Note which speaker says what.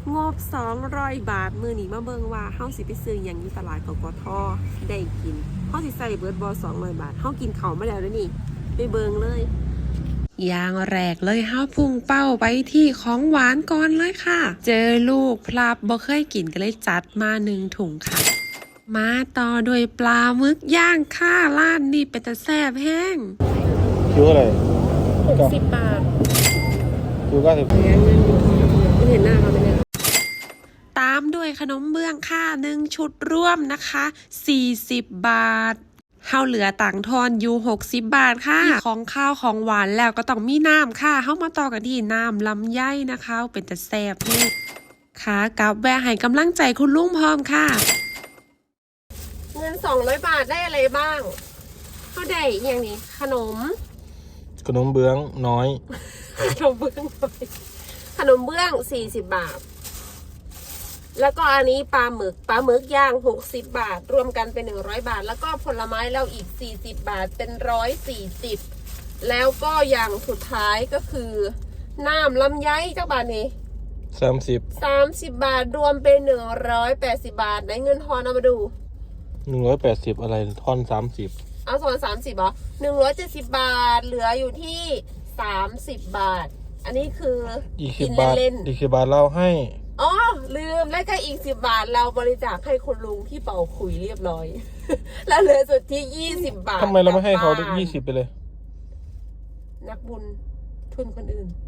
Speaker 1: งบ200 บาทมือนี้มาเบิ่งว่าเฮาสิไปซื้อหยังอยู่ตลาดกกทได้กินเฮาสิใส่เบิดบ่200 บาทเฮากินข้าวมาแล้วเด้อนี่ไปเบิ่งเลยอย่างแรกเลยเฮาพุ่งเป้าไปที่ของหวานก่อนเลยค่ะเจอลูกพลับบ่เคยกินก็เลยจัดมา1 ถุงค่ะมาต่อด้วยปลาหมึกย่างค่ะร้านนี้เป็นตาแซ่บแห้ง
Speaker 2: คิวอะไร
Speaker 1: 60 บาท
Speaker 2: คิว90
Speaker 1: ไม่เห็นหน้าเขาไหมเนี่ยตามด้วยขนมเบื้องค่ะ1 ชุดร่วมนะคะ40 บาทเฮาเหลือต่างทอนอยู่60 บาทค่ะของข้าวของหวานแล้วก็ต้องมีน้ำค่ะเฮามาต่อกันที่น้ำลำไยนะคะเป็นแต่แซ่บนี่ค่ะกับแวะให้กำลังใจคุณลุงพร้อมค่ะเงิน200 บาทได้อะไรบ้างเขาได้อย่างนี้ขนม
Speaker 2: เบื้องน้อย
Speaker 1: ขนมเบื้อง40 บาทแล้วก็อันนี้ปลาหมึกย่าง60 บาทรวมกันเป็น100 บาทแล้วก็ผลไม้เราอีก40 บาทเป็น140แล้วก็อย่างสุดท้ายก็คือน้ำลำไยเจ้าบาทนี้30 บาทรวมเป็น180 บาทได้เงินทอนเอามาดู
Speaker 2: 180อะไรท่อน30
Speaker 1: เอาส่วน30เหรอ170 บาทเหลืออยู่ที่30 บาทอันนี้คือกินเล่น
Speaker 2: ๆ20 บาทเราให้
Speaker 1: อ๋อลืมแล้วก็อีก10 บาทเราบริจาคให้คุณลุงที่เป่าขุยเรียบร้อย แล้วเหลือสุดที่20 บาท
Speaker 2: ทำไมเราไม่ให้เขา20ไปเลย
Speaker 1: นักบุญทุนคนอื่น